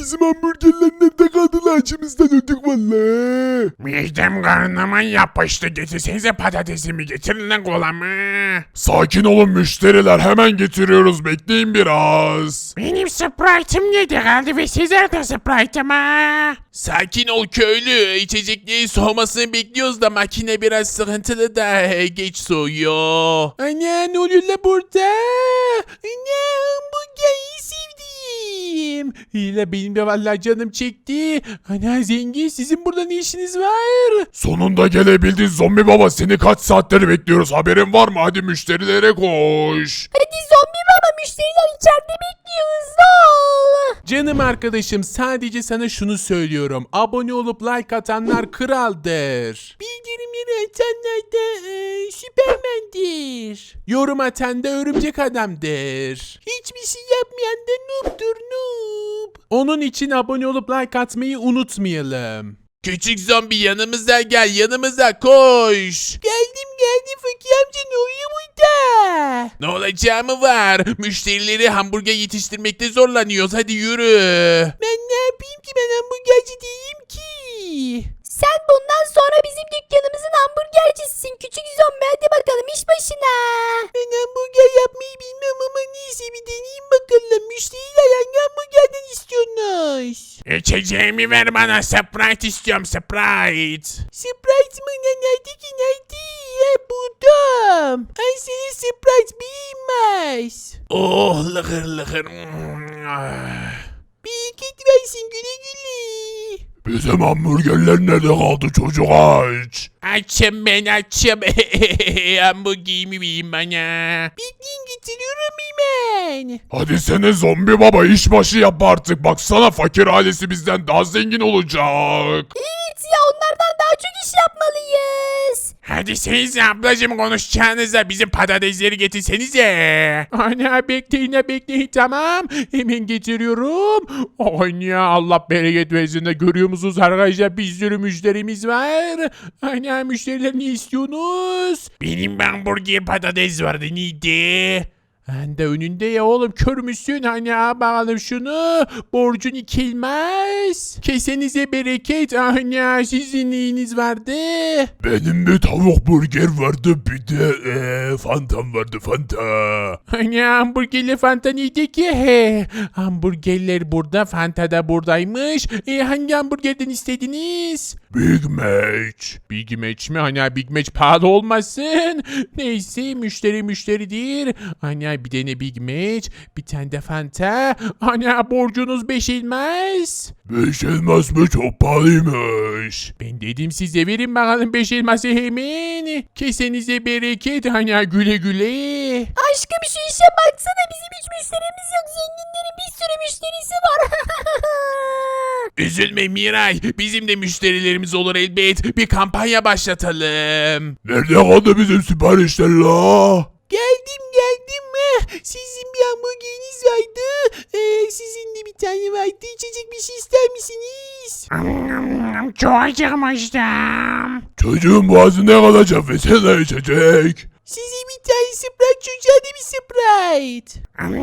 bizim hamburgerler nerede kaldı lan? Açımızdan öldük valla. Midem karnıma yapıştı. Getirsenize patatesimi, getirin lan kolamı. Sakin olun müşteriler, hemen getiriyoruz, bekleyin biraz. Benim Sprite'ım yedi kaldı ve sizler de Sprite'ım ha. Sakin ol köylü. İçeceklerin soğumasını bekliyoruz da makine biraz sıkıntılı da geç soğuyor. Ana ne oluyor la burada? Ana hamburgeri sevdim. İyi benim de vallahi canım çekti. Ana zengin sizin burada ne işiniz var? Sonunda gelebildin zombi baba, seni kaç saattir bekliyoruz, haberin var mı? Hadi müşterilere koş. Hadi zombi baba, müşteriler içeride bekliyor, hızlı ol. Canım arkadaşım sadece sana şunu söylüyorum. Abone olup like atanlar kraldır. Bildirimleri atanlar da süpermendir. Yorum atan da örümcek adamdır. Hiçbir şey yapmayan da noob'dur noob. Onun için abone olup like atmayı unutmayalım. Küçük zombi yanımıza gel, yanımıza koş. Geldim Fakir amca, ne oluyor burada? Ne olacağı mı var? Müşterileri hamburger yetiştirmekte zorlanıyoruz, hadi yürü. Ben ne yapayım ki, ben hamburgerci değilim ki. Sen bundan sonra bizim dükkanımızın hamburgercisisin küçük zombi, hadi bakalım iş başına. Ben hamburger yapmayı bilmem ama neyse bir deneyeyim bakalım. Müşteriler hangi hamburgerden istiyorsunuz? İçeceğimi ver bana, Sprite istiyorum, Sprite. Sprite mı? Nerede ki, nerede? Buldum. Ay senin Sprite bilmez. Oh, lıkır lıkır. Bereket versin, güle güle. Bizim hamburgerler nerede kaldı, çocuk aç. Açım ben açım. Hamburgerimi yiyeyim bana. Bekleyin, getiriyorum hemen. Hadi sene zombi baba, işbaşı yap artık, baksana fakir ailesi bizden daha zengin olacak. Evet ya, onlardan daha çok iş yapmalıyız. Hadi siz ablacım konuşacağınıza bizim patatesleri getirsenize. Ana bekleyin tamam. Hemen getiriyorum. Ana Allah bereket versin de, görüyor musunuz arkadaşlar, bir sürü müşterimiz var. Ana müşteriler ne istiyorsunuz? Benim hamburger patates vardı, neydi? Ben de önünde ya oğlum, kör müsün? Hani bakalım şunu. Borcun ikilmez. Kesenize bereket. Ana sizin neyiniz vardı? Benim bir tavuk burger vardı, bir de fantam vardı, fanta. Hani hamburgerle fanta neydi ki? He, hamburgerler burada, fanta da buradaymış. Hangi hamburgerden istediniz? Big Mac. Big Mac mi? Hani Big Mac pahalı olmasın. Neyse müşteridir. Hani bir tane Big Mac, bir tane de fanta. Hani borcunuz 5 elmas. 5 elmas mı, çok pahalıymış. Ben dedim size, verin bakalım 5 elması hemen. Kesenize bereket. Hani güle güle. Aşkım şu işe baksana, bizim hiç müşterimiz yok, zenginlerin bir sürü müşterisi var. Üzülme Miray, bizim de müşterilerimiz olur elbet. Bir kampanya başlatalım. Nerede kaldı bizim siparişler la? Geldim. Sizin bir hamburgeriniz vardı. Sizin de bir tane vardı. İçecek bir şey ister misiniz? Çok acıkmıştım. Çocuğun boğazı ne kalacak ve sen içecek. Size bir tane Sprite, çocuğa da bir Sprite.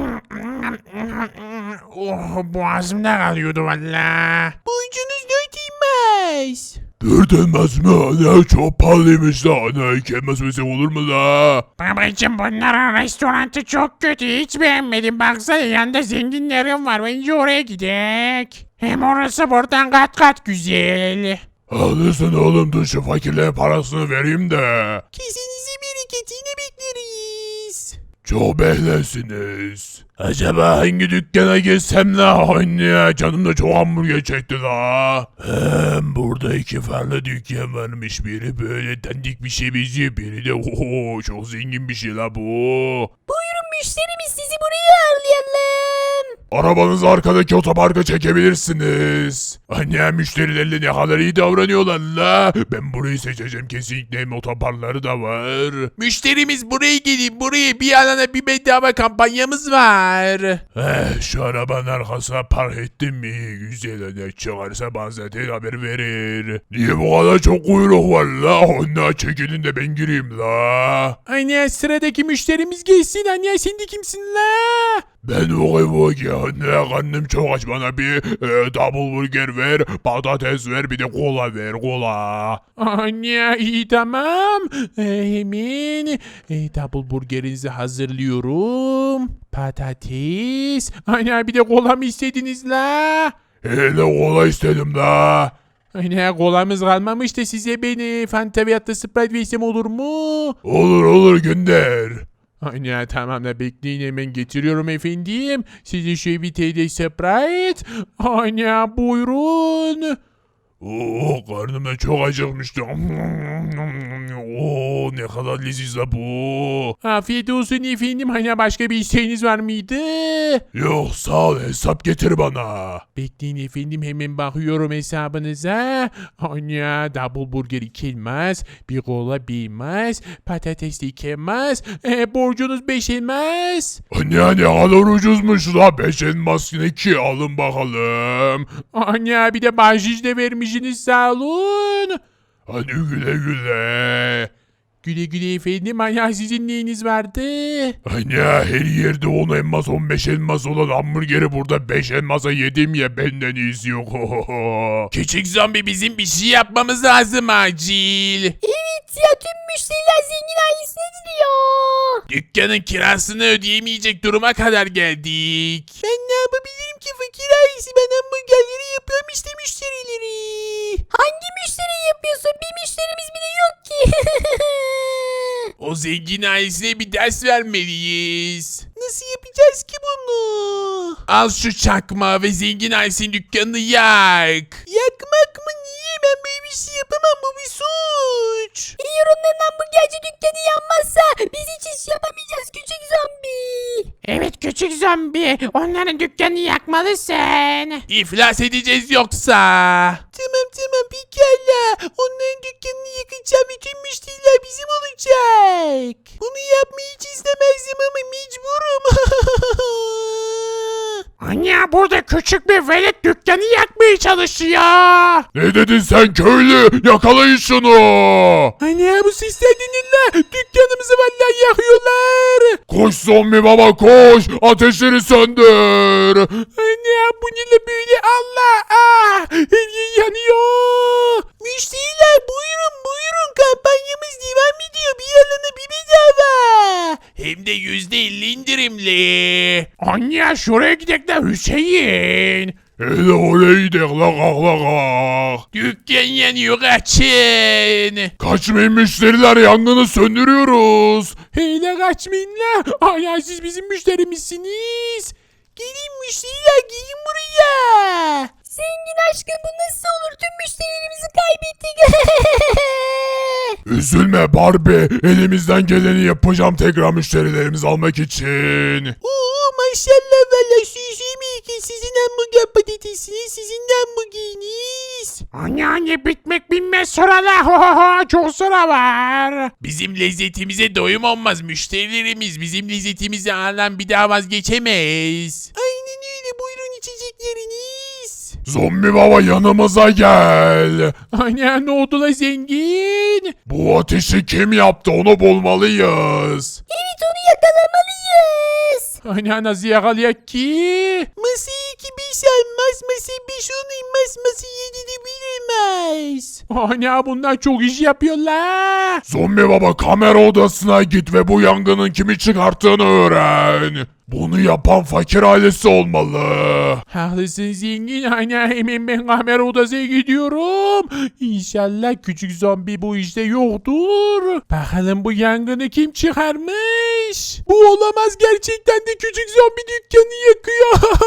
Oh, boğazımda kalıyordu valla. Borcunuz 4 elmas. 4 elmas mı? Ana çok pahalıymış la. Ana 2 elmas versek olur mu la? Babacım bunların restoranı çok kötü, hiç beğenmedim. Baksana yanında zenginlerim var, bence oraya gidek. Hem orası buradan kat kat güzel. Haklısın oğlum, dur şu fakirlere parasını vereyim de. Kesinize bereketini bekleriz. Çok beklesiniz. Acaba hangi dükkana girsem la? Anne canım da çok hamburger çekti la. Burada 2 farklı dükkan varmış. Biri böyle dandik bir şey benziyor. Biri de oho, çok zengin bir şey la bu. Buyurun müşterimiz, sizi buraya ağırlayalım. Arabanızı arkadaki otoparka çekebilirsiniz. Anne müşterilerle ne kadar iyi davranıyorlar la. Ben burayı seçeceğim kesinlikle, hem otoparkları da var. Müşterimiz buraya gelin, buraya bir alana bir bedava kampanyamız var. Şu arabanın arkasına park ettim mi? Güzel, ne çıkarsa bana zaten haber verir. Niye bu kadar çok kuyruk var la? Onlar çekilin de ben gireyim la. Anne sıradaki müşterimiz gelsin. Anne sen de kimsin la? Ben vogi anne karnım çok aç bana bir double burger ver, patates ver bir de kola ver kola. Anne iyi tamam. Hemen double burgerinizi hazırlıyorum. Patates. Anne bir de kola mı istediniz la? Hele kola istedim la. Anne kolamız kalmamış da size beni Fanta veyahut da Sprite versem olur mu? Olur gönder. Anne tamam da bekleyin hemen getiriyorum efendim. Size şu bir tane Sprite. Anne buyurun. Oo karnım da çok acıkmıştı. Oo ne kadar leziz la bu. Afiyet olsun efendim. Hani başka bir isteğiniz var mıydı? Yok sağ ol hesap getir bana. Bekleyin efendim hemen bakıyorum hesabınıza. Anne double burger 2 elmas, bir kola 1 elmas, patates 2 elmas, borcunuz 5 elmas. Anne ne kadar ucuzmuş la 5 elmas yine ki alın bakalım. Anne bir de bahşiş de vermişsiniz sağ olun. Hadi güle güle. Güle güle efendim. Anne sizin neyiniz vardı? Anne her yerde 10 elmas 15 elmas olan hamburgeri burada 5 elmasa yedim ya benden iyisi yok. Küçük zombi bizim bir şey yapmamız lazım acil. Evet ya tüm müşteriler zengin ailesine gidiyor. Dükkanın kirasını ödeyemeyecek duruma kadar geldik. Ben ne yapabilirim ki fakir ailesi? Ben hamburgerleri yapıyorum işte müşterileri. Hangi müşteri yapıyorsun? Bir müşterimiz bile yok ki. O zengin ailesine bir ders vermeliyiz. Nasıl yapacağız ki bunu? Al şu çakma ve zengin ailesinin dükkanını yak. Yakmak mı? Niye? Ben böyle bir şey yapamam. Bu bir suç. Eğer onların hamburgerci dükkanı yanmazsa biz hiç iş yapamayacağız küçük zombi. Evet küçük zombi. Onların dükkanını yakmalısın. İflas edeceğiz yoksa. Tamam pekala. Onların dükkanını yakacağım ve tüm müşteriler bizim olacak. Bunu yapmayı hiç istemezdim ama mecburum. Anne burada küçük bir velet dükkanı yakmaya çalışıyor. Ne dedin sen köylü yakalayın şunu. Anne bu sesler dinle. Dükkanımızı vallahi yakıyorlar. Koş zombi baba koş ateşleri söndür. Anne bu ne böyle Allah. Her yer yanıyor. Müşteriler buyurun kampanyamız devam ediyor. Bir alana bir bedava. Hem de %50 indirimli. Anne şuraya gidelim de Hüseyin. Hele oraya gidelim la kalk. Dükkan yanıyor kaçın. Kaçmayın müşteriler yangını söndürüyoruz. Hele kaçmayın la. Aya siz bizim müşterimizsiniz. Gelin müşteriler gelin buraya. Zengin aşkım bu nasıl olur? Tüm müşterilerimizi kaybettik. Üzülme Barbie elimizden geleni yapacağım tekrar müşterilerimizi almak için. Oo maşallah valla süzümü sizin hamburger patatesiniz sizin de hamburgeriniz. Anne bitmek bilmez sıralar. Çok sıra var. Bizim lezzetimize doyum olmaz müşterilerimiz bizim lezzetimizi alan bir daha vazgeçemez. Aynen öyle buyurun içecekleriniz. Zombi baba yanımıza gel. Anne ne oldu la zengin? Bu ateşi kim yaptı onu bulmalıyız. Evet onu yakalamalıyız. Anne nasıl yakalayak ki? Masayı 2 5 almaz, masayı 5 10 inmez, masayı 7 de bilinmez. Anne bunlar çok iş yapıyorlar. Zombi baba kamera odasına git ve bu yangının kimi çıkarttığını öğren. Bunu yapan fakir ailesi olmalı. Haklısın zengin. Anne hemen ben kamera odasına gidiyorum. İnşallah küçük zombi bu işte yoktur. Bakalım bu yangını kim çıkarmış? Bu olamaz gerçekten de küçük zombi dükkanı yakıyor.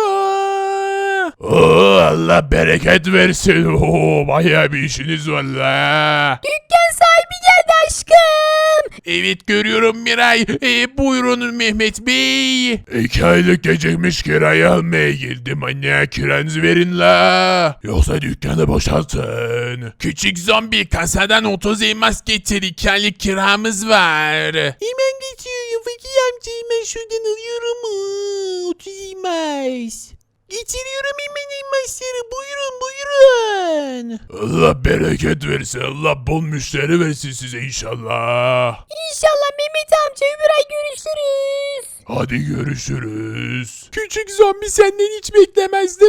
Oo, Allah bereket versin. Oo, bayağı bir işiniz var la. Dükkan sahibi geldi aşkım. Evet görüyorum Miray. Buyurun Mehmet Bey. 2 aylık gecikmiş kirayı almaya girdim anne kiranızı verin la. Yoksa dükkanı boşaltın. Küçük zombi kasadan 30 elmas getir. 2 aylık kiramız var. Hemen getiriyorum fakir amca. Hemen şuradan alıyorum. 30 elmas. Getiriyorum hemen elmasları. Buyurun. Allah bereket versin. Allah bol müşteri versin size inşallah. İnşallah Mehmet amca öbür ay görüşürüz. Hadi görüşürüz. Küçük zombi senden hiç beklemezdim.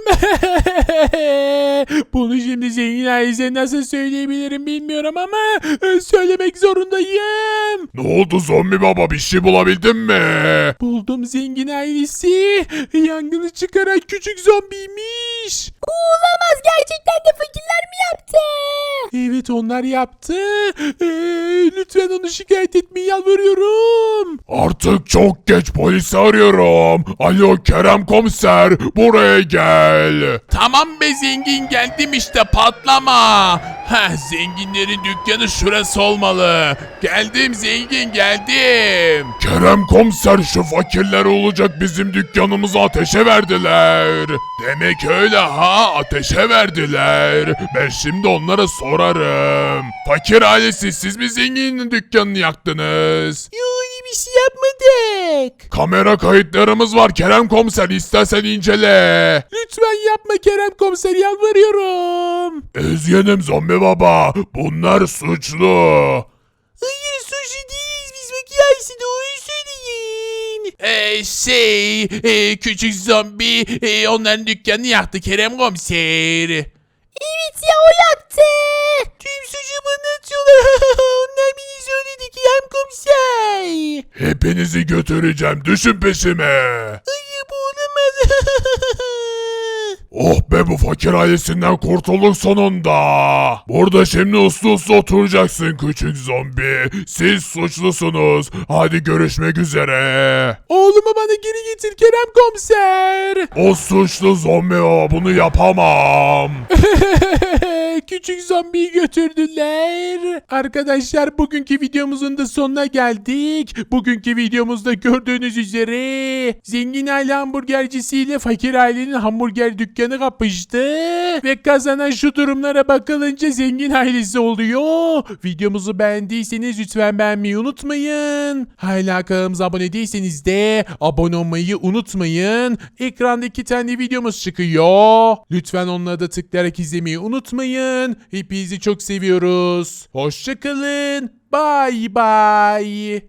Bunu şimdi zengin ailesine nasıl söyleyebilirim bilmiyorum ama söylemek zorundayım. Ne oldu zombi baba, bir şey bulabildin mi? Buldum, zengin ailesi yangını çıkaran küçük zombiymiş. Olamaz, gerçekten de fakirler mi yaptı? Evet, onlar yaptı. Lütfen onu şikayet etmeyi yalvarıyorum. Artık çok geç, polisi arıyorum. Alo Kerem komiser, buraya gel. Tamam be zengin, geldim işte, patlama. Heh, zenginlerin dükkanı şurası olmalı. Geldim zengin, geldim. Kerem komiser, şu fakirler olacak bizim dükkanımızı ateşe verdiler. Demek öyle ha, ateşe verdiler. Ben şimdi onlara sorarım. Fakir ailesi, siz mi zenginin dükkanını yaktınız? Yok, bir şey yapmadık. Kamera kayıtlarımız var Kerem komiser, istersen incele. Lütfen yapma Kerem komiser, yalvarıyorum. Üzgünüm zombi baba, bunlar suçlu. Hayır, suçlu değiliz biz, fakir ailesi, doğruyu söyleyin. Küçük zombi onların dükkanını yaktı Kerem komiser. Evet ya, o yaktı. Tüm suçu bana atıyorlar. Onlar beni söyledi Kerem komiser. Hepinizi götüreceğim, düşün peşime. Hayır, bu olamaz. Oh be, bu fakir ailesinden kurtulduk sonunda. Burada şimdi uslu uslu oturacaksın küçük zombi. Siz suçlusunuz. Hadi görüşmek üzere. Oğlumu bana geri getir Kerem komiser. O suçlu zombi o, bunu yapamam. Küçük zombiyi götürdüler. Arkadaşlar, bugünkü videomuzun da sonuna geldik. Bugünkü videomuzda gördüğünüz üzere zengin aile hamburgercisiyle fakir ailenin hamburger dükkanı kapıştı. Ve kazanan şu durumlara bakılınca zengin ailesi oluyor. Videomuzu beğendiyseniz lütfen beğenmeyi unutmayın. Hala kanalımıza abone değilseniz de abone olmayı unutmayın. Ekranda 2 tane videomuz çıkıyor. Lütfen onlara da tıklayarak izlemeyi unutmayın. Hepinizi çok seviyoruz. Hoşçakalın. Bye bye.